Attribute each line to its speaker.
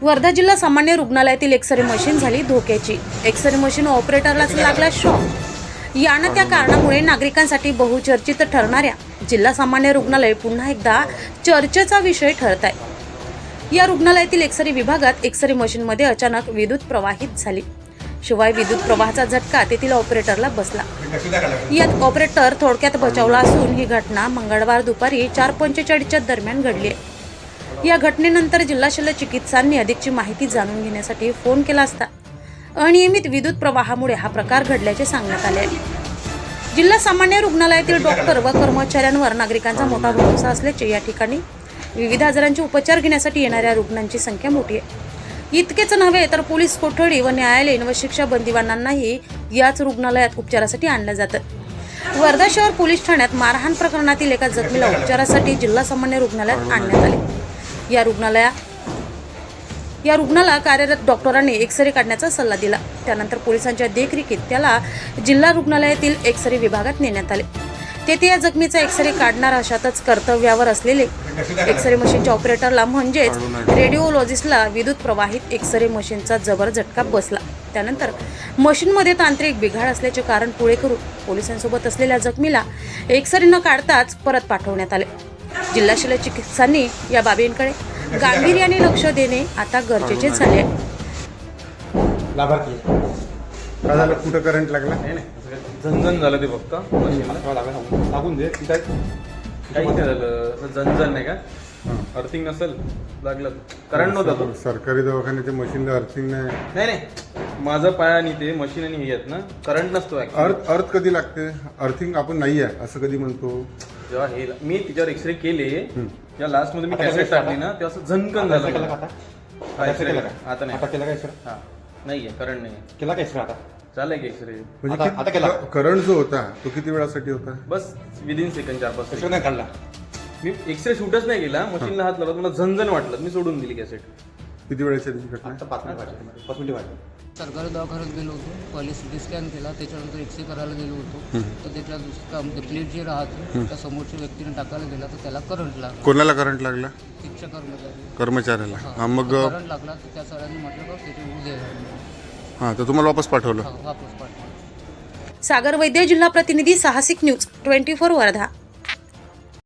Speaker 1: वर्धा जिल्हा सामान्य रुग्णालयातील एक्सरे मशीन झाली धोक्याची। एक्सरे मशीन ऑपरेटरलाच लागला शॉक। यानं त्या कारणामुळे नागरिकांसाठी बहुचर्चित ठरणाऱ्या जिल्हा सामान्य रुग्णालय पुन्हा एकदा चर्चेचा विषय ठरत आहे। या रुग्णालयातील एक्सरे विभागात एक्सरे मशीनमध्ये अचानक विद्युत प्रवाहित झाली। शिवाय विद्युत प्रवाहाचा झटका तेथील ऑपरेटरला बसला। यात ऑपरेटर थोडक्यात बचावला असून ही घटना मंगळवार दुपारी 4:45च्या दरम्यान घडली आहे। या घटनेनंतर जिल्हा शल्य चिकित्सांनी अधिकची माहिती जाणून घेण्यासाठी फोन केला असता अनियमित विद्युत प्रवाहामुळे हा प्रकार घडल्याचे सांगण्यात आले आहे। जिल्हा सामान्य रुग्णालयातील डॉक्टर व कर्मचाऱ्यांवर नागरिकांचा मोठा भरोसा असल्याचे या ठिकाणी विविध आजारांचे उपचार घेण्यासाठी येणाऱ्या रुग्णांची संख्या मोठी आहे। इतकेच नव्हे तर पोलीस कोठडी व न्यायालयीन व शिक्षा बंदिवानांनाही याच रुग्णालयात उपचारासाठी आणलं जातं। वर्धा शहर पोलीस ठाण्यात मारहाण प्रकरणातील एका जखमीला उपचारासाठी जिल्हा सामान्य रुग्णालयात आणण्यात आले। या रुग्णाला कार्यरत डॉक्टरांनी एक्सरे काढण्याचा सल्ला दिला। त्यानंतर पोलिसांच्या देखरेखीत त्याला जिल्हा रुग्णालयातील एक्सरे विभागात नेण्यात आले। तेथे या जखमीचा एक्सरे काढणार अशातच कर्तव्यावर असलेले एक्सरे मशीनच्या ऑपरेटरला म्हणजेच रेडिओलॉजिस्टला विद्युत प्रवाहित एक्सरे मशीनचा जबर झटका बसला। त्यानंतर मशीनमध्ये तांत्रिक बिघाड असल्याचे कारण पुढे करून पोलिसांसोबत असलेल्या जखमीला एक्सरे न काढताच परत पाठवण्यात आले। जिल्हा शल्य चिकित्सांनी या बाबींकडे गांभीर्याने लक्ष देणे आता गरजेचे झाले आहे।
Speaker 2: काय झालं? कुठं करंट लागला?
Speaker 3: झनझन झालं ते फक्त मशीनला
Speaker 2: लागून दे.
Speaker 3: काही नाही झालं, झनझन नाही का, अर्थिंग नसेल लागलं, करंट नव्हता तो.
Speaker 2: सरकारी दवाखान्याच्या मशीनला अर्थिंग नाही.
Speaker 3: नाही माझं पाय आणि ते मशीन आणि हे आहेत ना, करंट नसतो.
Speaker 2: अर्थ कधी लागते? अर्थिंग आपण नाही आहे असं कधी म्हणतो?
Speaker 3: जेव्हा हे मी तिच्यावर एक्सरे केले, या लास्ट मध्ये मी कॅसेट टाकली ना, तेव्हा असं झनकन झालं. आता नाही, हा नाहीये, करंट नाही
Speaker 4: केला का एक्सरे आता?
Speaker 3: चालय की एक्सरे.
Speaker 2: म्हणजे करंट जो होता तो किती वेळासाठी होता?
Speaker 3: बस विदिन सेकंड 4-5
Speaker 4: एक्सरे नाही काढला.
Speaker 3: मी एक्सरे शूटच नाही केला, मशीनला हात लावला, मला झनझन वाटलं, मी सोडून दिली कॅसेट.
Speaker 2: किती वेळाच्या घटना?
Speaker 4: आता 5 मिनिट वाटले.
Speaker 5: सरकारी दवाखान्यात गेलो होतो, पहिले सिटी स्कॅन केला, त्याच्यानंतर एक्सरे करायला गेलो होतो, तर त्याच्या दुसरं प्लेट जे राहते त्या समोरच्या व्यक्तीने टाकायला गेला तर त्याला करंट लागला.
Speaker 2: कोणाला करंट लागला?
Speaker 5: शिक्षक
Speaker 2: कर्मचाऱ्याला. हा, मग
Speaker 5: करंट लागला तर त्या सरांनी म्हटलं का त्याचे उद्या
Speaker 2: हा, तर तुम्हाला वापस पाठवलं?
Speaker 5: वापस पाठवा.
Speaker 1: सागर वैद्य, जिल्हा प्रतिनिधी, साहसिक न्यूज 24 वर्धा।